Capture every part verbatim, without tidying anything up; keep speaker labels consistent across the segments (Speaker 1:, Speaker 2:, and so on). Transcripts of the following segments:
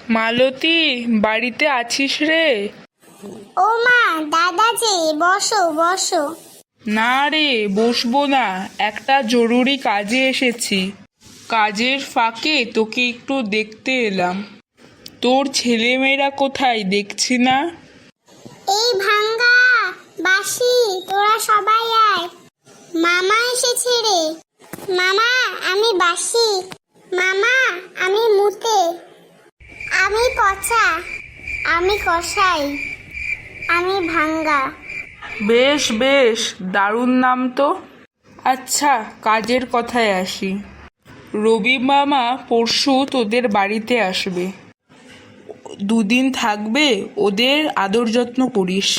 Speaker 1: মালতী, বাড়িতে আছিস রে?
Speaker 2: ও মা, দাদা যে, বসো বসো।
Speaker 1: না রে, বসবো না, একটা জরুরি কাজে এসেছি। কাজের ফাঁকে তোকে একটু দেখতে এলাম। তোর ছেলেমেয়েরা কোথায় দেখছি না?
Speaker 2: এই ভাঙ্গা, বাসি, তোরা সবাই আয়। মামা এসেছে রে। মামা, আমি বাসি। মামা, আমি মুতে। আমি পচা। আমি কষাই। আমি ভাঙ্গা।
Speaker 1: বেশ বেশ, দারুণ নাম তো। আচ্ছা, কাজের কথায় আসি। রবি মামা পরশু তোদের বাড়িতে আসবে। দুদিন থাকবে, ওদের আদর যত্ন করিস।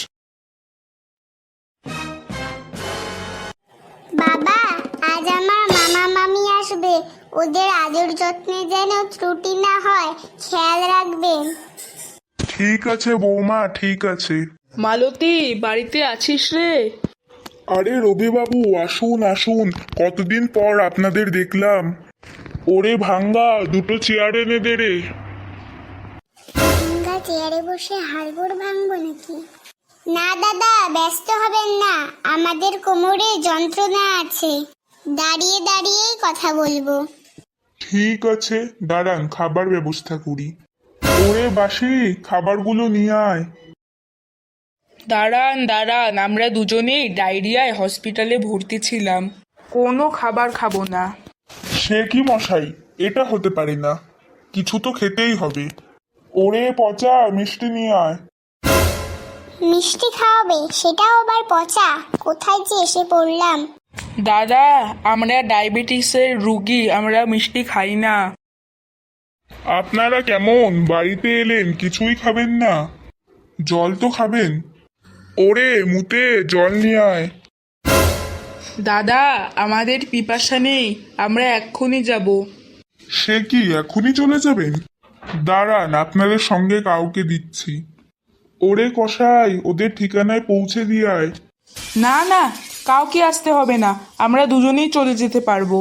Speaker 2: বাবা, আজ আমার মামা মামি আসবে। ওদের আদর যত্নে যেন ত্রুটি না হয়, খেয়াল রাখবেন।
Speaker 3: ঠিক আছে বৌমা, ঠিক আছে।
Speaker 1: মালতী, বাড়িতে আছিস রে?
Speaker 3: আরে রবি বাবু, আসুন আসুন, কতদিন পর আপনাদের দেখলাম। ওরে ভাঙ্গা, দুটো চেয়ার এনে দে রে।
Speaker 2: ভাঙ্গা চেয়ারে বসে হাড়গোড় ভাঙবো নাকি? না দাদা, ব্যস্ত হবেন না, আমাদের কোমরে যন্ত্রণা আছে। দাঁড়িয়ে দাঁড়িয়েই কথা বলবো।
Speaker 3: ঠিক আছে, দাঁড়ান, খাবার ব্যবস্থা করি। ওরে বাসি, খাবারগুলো নিয়ে আয়।
Speaker 1: দাঁড়ান দাঁড়ান, আমরা দুজনেই ডায়রিয়ায় হসপিটালে ভর্তি ছিলাম। কোনো খাবার খাবো না।
Speaker 3: সে কি মশাই, এটা হতে পারে না, কিছু তো খেতেই হবে। ওরে পচা, মিষ্টি নিয়ে আয়।
Speaker 2: মিষ্টি খাওয়াবে, সেটাও আবার পচা? কোথায় যে এসে পড়লাম।
Speaker 1: দাদা, আমরা ডায়াবেটিসের রুগী, আমরা মিষ্টি খাই না।
Speaker 3: আপনারা কেমন, বাড়িতে এলেন, কিছুই খাবেন না? জল তো খাবেন। ওরে মুতে, জল নিয়ে আয়।
Speaker 1: দাদা, আমাদের পিপাসা নেই, আমরা এক্ষুনি যাব।
Speaker 3: সে কি, এখনই চলে যাবেন? দাঁড়ান, আপনাদের সঙ্গে কাউকে দিচ্ছি। ওরে কসাই, ওদের ঠিকানায় পৌঁছে দিয়ে আয়।
Speaker 1: না না, কাউকে আসতে হবে না, আমরা দুজনেই চলে যেতে পারবো।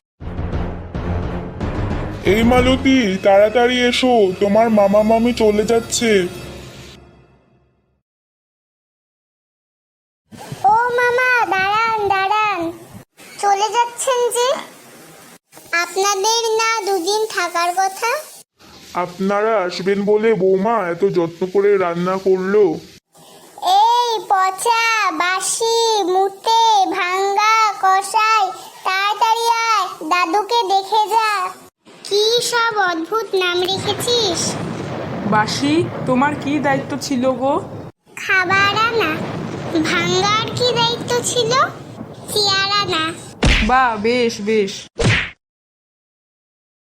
Speaker 3: এই মালতী, তাড়াতাড়ি এসো, তোমার মামা মামি চলে যাচ্ছে।
Speaker 2: ও মামা, দাঁড়ান দাঁড়ান। চলে যাচ্ছেন যে? আপনাদের না দুদিন থাকার কথা?
Speaker 3: আপনারা আসবেন বলে বৌমা এত যত্ন করে রান্না করলো।
Speaker 2: এই পচা, বাসি, মুতে, ভাঙ্গা, কষাই, তাড়াতাড়ি আয়, দাদুকে দেখে যা। কি সব অদ্ভুত নাম রেখেছিস।
Speaker 1: বাসি, তোমার কি দায়িত্ব ছিল গো?
Speaker 2: খাবার আনা। ভাঙ্গার কি দায়িত্ব ছিল? চেয়ার আনা।
Speaker 1: বাহ, বেশ বেশ।